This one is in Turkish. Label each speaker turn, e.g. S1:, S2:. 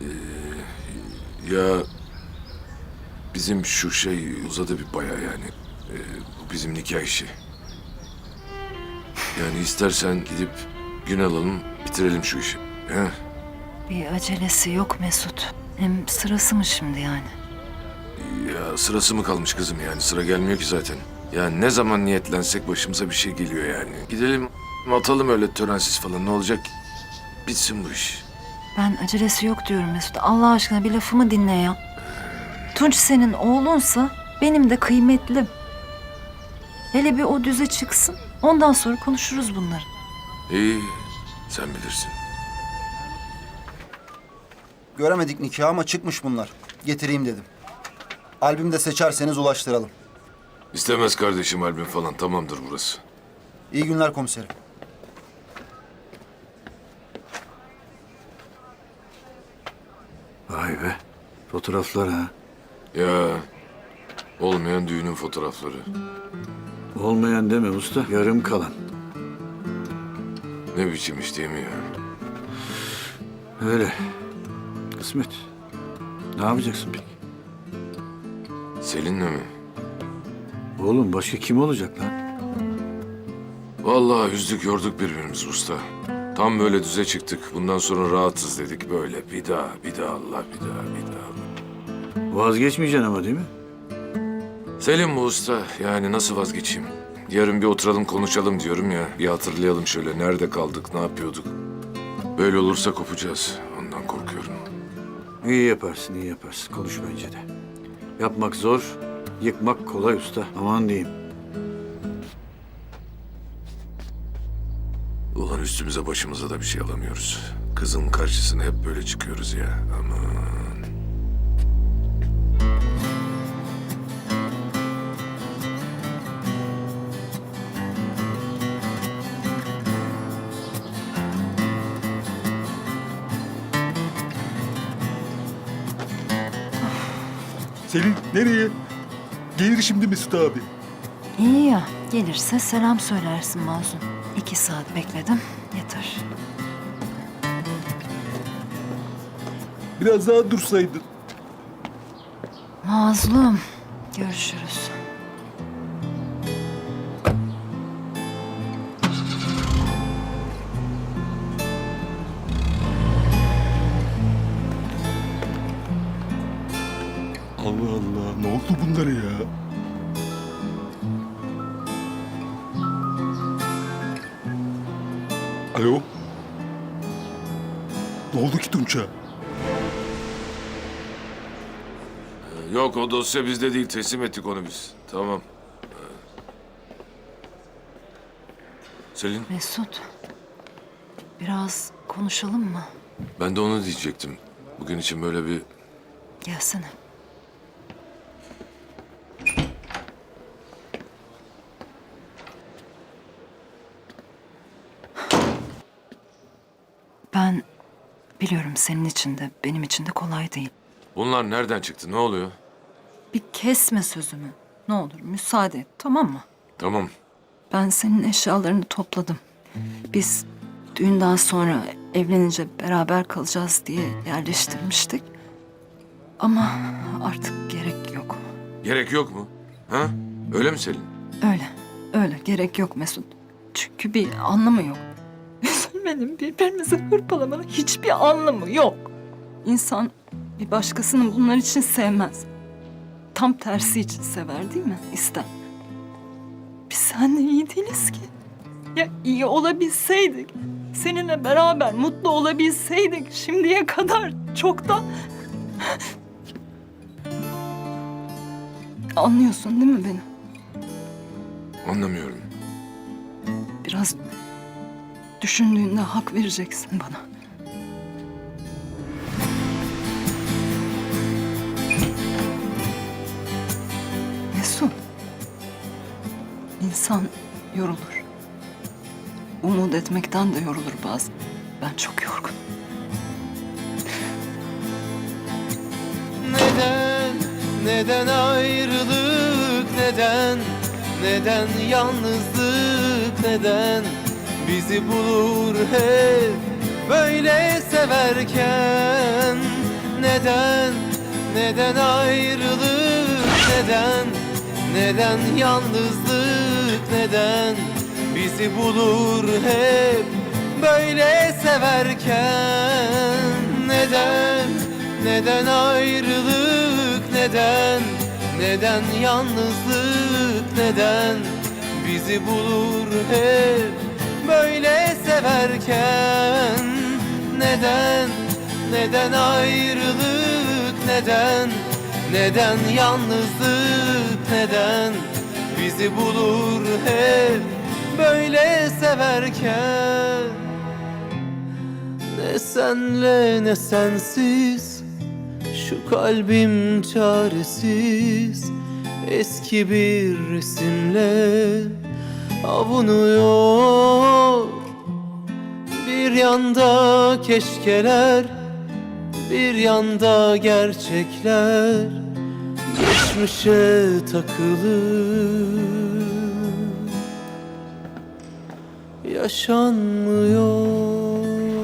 S1: Ya bizim şu şey uzadı bir bayağı yani. Bu bizim nikah işi. Yani istersen gidip gün alalım, bitirelim şu işi. He?
S2: Bir acelesi yok Mesut. Hem sırası mı şimdi yani?
S1: Ya sırası mı kalmış kızım yani? Sıra gelmiyor ki zaten. Yani ne zaman niyetlensek başımıza bir şey geliyor yani. Gidelim atalım öyle törensiz falan, ne olacak ki? Bitsin bu iş.
S2: Ben acelesi yok diyorum Mesut. Allah aşkına bir lafımı dinle ya. Tunç senin oğlunsa benim de kıymetlim. Hele bir o düze çıksın. Ondan sonra konuşuruz bunları.
S1: İyi, sen bilirsin.
S3: Göremedik nikahı ama çıkmış bunlar. Getireyim dedim. Albüm de seçerseniz ulaştıralım.
S1: İstemez kardeşim albüm falan, tamamdır burası.
S3: İyi günler komiserim.
S4: Vay be. Fotoğraflar ha.
S1: Ya olmayan düğünün fotoğrafları.
S4: Olmayan deme usta. Yarım kalan.
S1: Ne biçim iş değil mi ya?
S4: Öyle. Kısmet. Ne yapacaksın peki?
S1: Selin'le mi?
S4: Oğlum başka kim olacak lan?
S1: Vallahi üzdük yorduk birbirimizi usta. Tam böyle düze çıktık. Bundan sonra rahatız dedik böyle. Bir daha Allah, bir daha.
S4: Vazgeçmeyeceksin ama değil mi?
S1: Selim bu usta. Yani nasıl vazgeçeyim? Yarın bir oturalım konuşalım diyorum ya. Bir hatırlayalım şöyle. Nerede kaldık, ne yapıyorduk? Böyle olursa kopacağız. Ondan korkuyorum.
S4: İyi yaparsın, iyi yaparsın. Konuş bence de. Yapmak zor, yıkmak kolay usta. Aman diyeyim.
S1: Ulan üstümüze başımıza da bir şey alamıyoruz. Kızın karşısına hep böyle çıkıyoruz ya. Aman.
S5: Selin nereye? Gelir şimdi Mesut abi.
S2: İyi ya. Gelirse selam söylersin Mazlum. 2 saat bekledim. Yeter.
S5: Biraz daha dursaydın.
S2: Mazlum. Görüşürüz.
S5: Allah Allah, ne oldu bunlara ya? Alo? Ne oldu ki Tunç'a?
S1: Yok o dosya bizde değil. Teslim ettik onu biz. Tamam. Selin,
S2: Mesut. Biraz konuşalım mı?
S1: ben de onu diyecektim. Bugün için böyle bir...
S2: Gelsene. Ben biliyorum senin için de benim için de kolay değil.
S1: Bunlar nereden çıktı? Ne oluyor?
S2: Bir kesme sözümü. Ne olur müsaade et, tamam mı?
S1: Tamam.
S2: Ben senin eşyalarını topladım. Biz düğünden sonra evlenince beraber kalacağız diye yerleştirmiştik. Ama artık gerek yok.
S1: Gerek yok mu? Ha? Öyle mi Selin?
S2: Öyle gerek yok Mesut. Çünkü bir anlamı yok. Üzülmenin, birbirimizi hırpalamanın hiçbir anlamı yok. İnsan bir başkasını bunlar için sevmez. Tam tersi için sever değil mi? İster. Biz seninle iyi değiliz ki. Ya iyi olabilseydik, seninle beraber mutlu olabilseydik şimdiye kadar çoktan... Anlıyorsun değil mi beni?
S1: Anlamıyorum.
S2: Biraz düşündüğünde hak vereceksin bana. Mesut, insan yorulur. Umut etmekten de yorulur bazen. Ben çok yorgunum.
S6: Neden ayrılık, neden yalnızlık, neden bizi bulur hep böyle severken? neden, neden ayrılık, neden yalnızlık, neden bizi bulur hep böyle severken? Neden ayrılık, neden yalnızlık, neden bizi bulur hep böyle severken? Neden ayrılık, neden yalnızlık, neden bizi bulur hep böyle severken? Ne senle ne sensiz, şu kalbim çaresiz, eski bir resimle avunuyor. Bir yanda keşkeler, bir yanda gerçekler, geçmişe takılı yaşanmıyor.